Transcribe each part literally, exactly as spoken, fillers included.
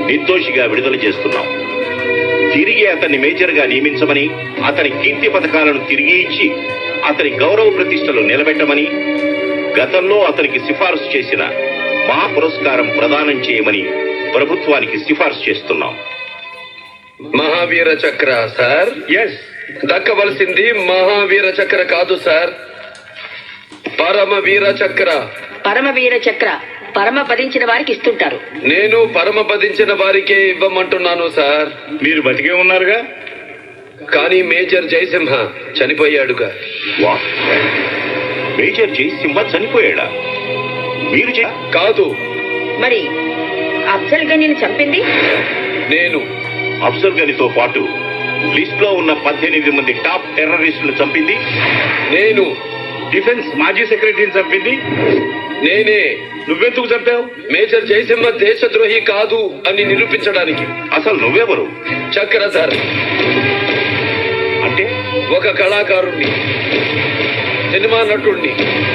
నిర్దోషిగా విడుదల చేస్తున్నాం. తిరిగి అతన్ని మేజర్గా నియమించమని, అతని కీర్తి పథకాలను తిరిగి ఇచ్చి అతని గౌరవ ప్రతిష్టలు నిలబెట్టమని, గతంలో అతనికి సిఫార్సు చేసిన మా పురస్కారం ప్రదానం చేయమని ప్రభుత్వానికి సిఫార్సు చేస్తున్నాం. మహావీర చక్ర సార్. ఎస్, దక్కవలసింది మహావీర చక్ర కాదు సార్, పరమవీర చక్ర. పరమవీర చక్ర పరమపదించిన వారికి ఇస్తుంటారు. నేను పరమపదించిన వారికే ఇవ్వమంటున్నాను సార్. మీరు బతికే ఉన్నారుగా. కానీ మేజర్ జయసింహ చనిపోయాడుగా. వా, మేజర్ జయసింహ చనిపోయాడా? మీరు చే- కాదు, మరి అఫ్జల్ గనీని చంపింది నేను. అఫ్జల్ గనితో పాటు లిస్ట్ లో ఉన్న పద్దెనిమిది మంది టాప్ టెర్రరిస్టులు చంపింది నేను. డిఫెన్స్ మాజీ సెక్రటరీని చంపింది నేనే. నువ్వెందుకు చంపావు? మేజర్ జయసింహ దేశద్రోహి కాదు అని నిరూపించడానికి. అసలు నువ్వెవరు? చక్రధారి అంటే ఒక కళాకారుణ్ణి, సినిమా నటుణ్ణి.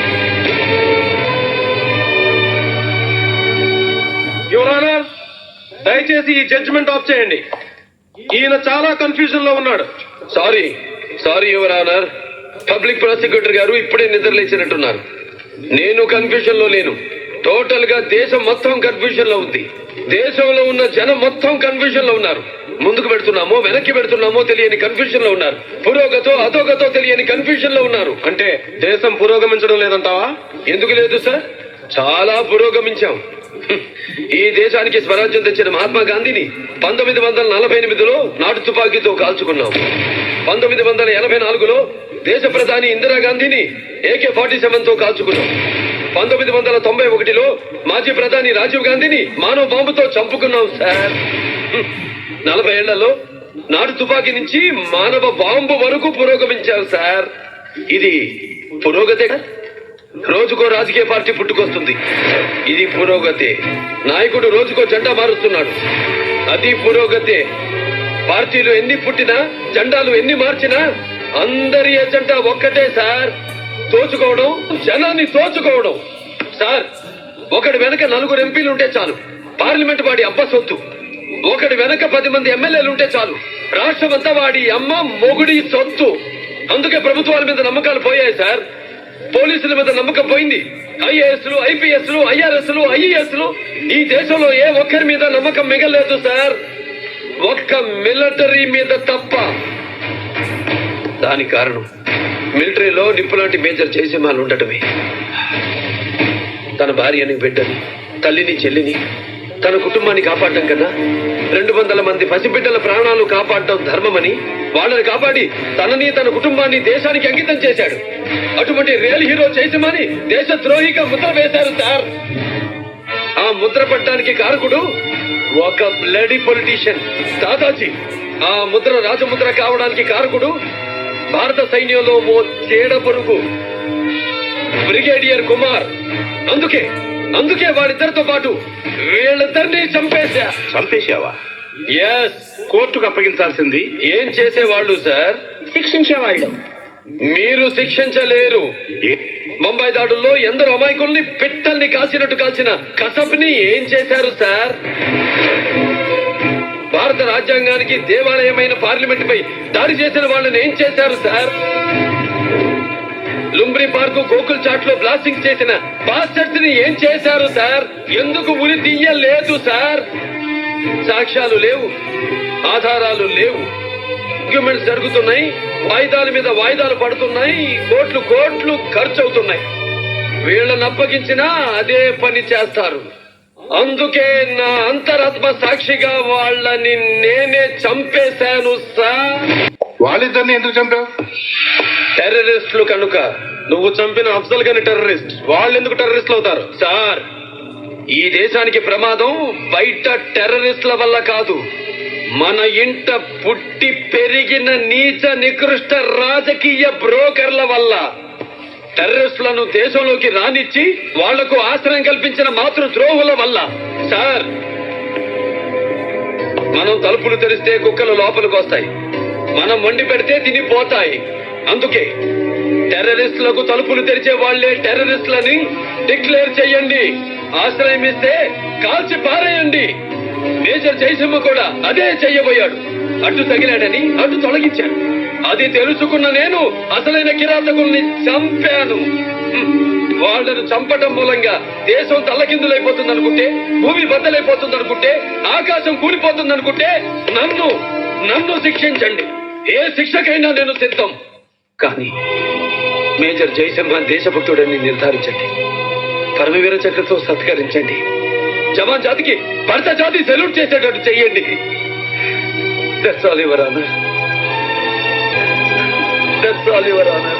యువర్ ఆనర్, దయచేసి ఈ జడ్జిమెంట్ ఆఫ్ చేయండి. ఈయన చాలా కన్ఫ్యూజన్ లో ఉన్నాడు. Sorry sorry your honour, public prosecutor గారు ఇప్పుడే నిద్రలేచినట్టున్నారు. నేను కన్ఫ్యూజన్ లో లేను. టోటల్ గా దేశం మొత్తం కన్ఫ్యూజన్ లో ఉంది. దేశంలో ఉన్న జనం మొత్తం కన్ఫ్యూజన్ లో ఉన్నారు. ముందుకు పెడుతున్నామో వెనక్కి పెడుతున్నామో తెలియని కన్ఫ్యూజన్ లో ఉన్నారు. పురోగతో అధోగతో తెలియని కన్ఫ్యూజన్ లో ఉన్నారు. అంటే దేశం పురోగమించడం లేదంటావా? ఎందుకు లేదు సార్, చాలా పురోగమించాం. ఈ దేశానికి స్వరాజ్యం తెచ్చిన మహాత్మా గాంధీని పంతొమ్మిది వందల నలభై ఎనిమిదిలో నాటు తుపాకీతో కాల్చుకున్నాం. పంతొమ్మిది వందల ఎనభై నాలుగులో దేశ ప్రధాని ఇందిరాగాంధీని ఏకే ఫార్టీ సెవెన్ తో కాల్చుకున్నాం. పంతొమ్మిది వందల తొంభై ఒకటిలో మాజీ ప్రధాని రాజీవ్ గాంధీని మానవ బాంబుతో చంపుకున్నాం సార్. నలభై ఏళ్లలో నాటు తుపాకీ నుంచి మానవ బాంబు వరకు పురోగమించాం సార్. ఇది పురోగతే. రోజుకో రాజకీయ పార్టీ పుట్టుకొస్తుంది, ఇది పురోగతే. నాయకుడు రోజుకో జెండా మారుస్తున్నాడు, అది పురోగతే. పార్టీలు ఎన్ని పుట్టినా, జెండాలు ఎన్ని మార్చినా అందరి ఎజెండా ఒక్కటే సార్, తోచుకోవడం, జనాన్ని తోచుకోవడం. సార్, ఒకటి వెనక నలుగురు ఎంపీలు ఉంటే చాలు, పార్లమెంట్ వాడి అబ్బ సొత్తు. ఒకటి వెనక పది మంది ఎమ్మెల్యేలు ఉంటే చాలు, రాష్ట్రమంతా వాడి అమ్మ మొగుడి సొత్తు. అందుకే ప్రభుత్వాల మీద నమ్మకాలు పోయాయి సార్, పోలీసుల మీద నమ్మకం పోయింది. ఐఏఎస్లు, ఐపీఎస్లు, ఐఆర్ఎస్లు, ఐఈఎస్లు, ఈ దేశంలో ఏ ఒక్కరి మీద నమ్మకం మిగలేదు సార్, ఒక్క మిలిటరీ మీద తప్ప. దాని కారణం మిలిటరీలో నిప్పులాంటి మేజర్ జయసింహాలు ఉండటమే. తన భార్యని, బిడ్డని, తల్లిని, చెల్లిని, తన కుటుంబాన్ని కాపాడటం కన్నా రెండు వందల మంది పసిబిడ్డల ప్రాణాలు కాపాడటం ధర్మమని వాళ్ళని కాపాడి తనని, తన కుటుంబాన్ని దేశానికి అంకితం చేశాడు. అటువంటి రియల్ హీరో జయసింహాని దేశద్రోహిగా ముద్ర వేశారు సార్. ఆ ముద్ర పట్టడానికి కారకుడు ఒక బ్లడీ పొలిటీషియన్ దాదాజీ. ఆ ముద్ర రాజముద్ర కావడానికి కారకుడు భారత సైన్యంలో ఓ చీడ పొరుగు బ్రిగేడియర్ కుమార్. అందుకే అందుకే వాడిద్దరితో పాటు వీళ్ళిద్దరినీ చంపేశా. చంపేశావా? ఎస్. కోర్టుకు అప్పగించాల్సింది. ఏం చేసేవాళ్ళు సార్? శిక్షించేవాళ్ళు. మీరు శిక్షించలేరు. ఏ- ముంబై దాడుల్లో ఎందరో అమాయకుల్ని పిట్టల్ని కాల్చినట్టు కాల్చిన కసబ్ని ఏం చేశారు సార్? భారత రాజ్యాంగానికి దేవాలయమైన పార్లమెంట్ పై దాడి చేసిన వాళ్ళని ఏం చేశారు సార్? లుంబ్రి పార్కు గోకుల్ చాట్ లో బ్లాస్టింగ్ చేసిన బాస్టర్స్ ని ఏం చేశారు సార్? ఎందుకు ఉరి తీయలేదు సార్? సాక్ష్యాలు లేవు, ఆధారాలు లేవు, డాక్యుమెంట్స్ జరుగుతున్నాయి, వాయిదాల మీద వాయిదాలు పడుతున్నాయి, కోట్లు కోట్లు ఖర్చు అవుతున్నాయి. వీళ్ళని అప్పగించినా అదే పని చేస్తారు. అందుకే నా అంతరాత్మ సాక్షిగా వాళ్ళని నేనే చంపేశాను సార్. వాళ్ళిద్దరిని ఎందుకు చంపావు? టెర్రరిస్టులు కనుక. నువ్వు చంపిన అఫ్జల్ గని టెర్రరిస్ట్, వాళ్ళు ఎందుకు టెర్రరిస్టులు అవుతారు? సార్, ఈ దేశానికి ప్రమాదం బయట టెర్రరిస్టుల వల్ల కాదు, మన ఇంట పుట్టి పెరిగిన నీచ నికృష్ట రాజకీయ బ్రోకర్ల వల్ల. టెర్రరిస్టులను దేశంలోకి రానిచ్చి వాళ్లకు ఆశ్రయం కల్పించిన మాతృ ద్రోహుల వల్ల. సార్, మనం తలుపులు తెరిస్తే కుక్కలు లోపలికి వస్తాయి, మనం వండి పెడితే తినిపోతాయి. అందుకే టెర్రరిస్టులకు తలుపులు తెరిచే వాళ్లే టెర్రరిస్టులని డిక్లేర్ చేయండి, ఆశ్రయం ఇస్తే కాల్చి పారేయండి. మేజర్ జయసింహ కూడా అదే చెయ్యబోయాడు. అడ్డు తగిలాడని అడ్డు తొలగించాను. అది తెలుసుకున్న నేను అసలైన కిరాతకుల్ని చంపాను. హ్మ్. వాళ్ళను చంపటం మూలంగా దేశం తల్లకిందులైపోతుంది అనుకుంటే, భూమి బద్దలైపోతుంది అనుకుంటే, ఆకాశం కూలిపోతుంది అనుకుంటే నన్ను నన్ను శిక్షించండి. ఏ శిక్షకైనా నేను సిద్ధం. కానీ మేజర్ జయసింహ దేశభక్తుడని నిర్ధారించండి. పరమవీర చక్రతో సత్కరించండి. జవాన్ జాతికి భర్త జాతి సెల్యూట్ చేసేటట్టు చెయ్యండి. That's all, Your Honor. That's all, Your Honor.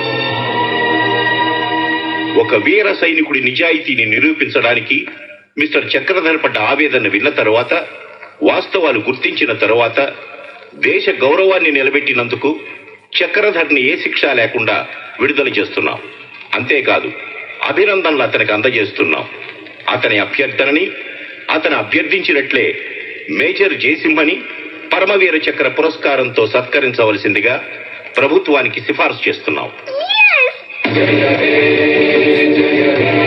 ఒక వీర సైనికుడి నిజాయితీని నిరూపించడానికి మిస్టర్ చక్రధర్ పడ్డ ఆవేదన విన్న తరువాత, వాస్తవాలు గుర్తించిన తరువాత, దేశ గౌరవాన్ని నిలబెట్టినందుకు చక్రధర్ని ఏ శిక్ష లేకుండా విడుదల చేస్తున్నాం. అంతేకాదు, అభినందనలు అతనికి అందజేస్తున్నాం. అతని అభ్యర్థనని అతను అభ్యర్థించినట్లే మేజర్ జయసింహని పరమవీర చక్ర పురస్కారంతో సత్కరించవలసిందిగా ప్రభుత్వానికి సిఫార్సు చేస్తున్నాం. జయ హే జయ హే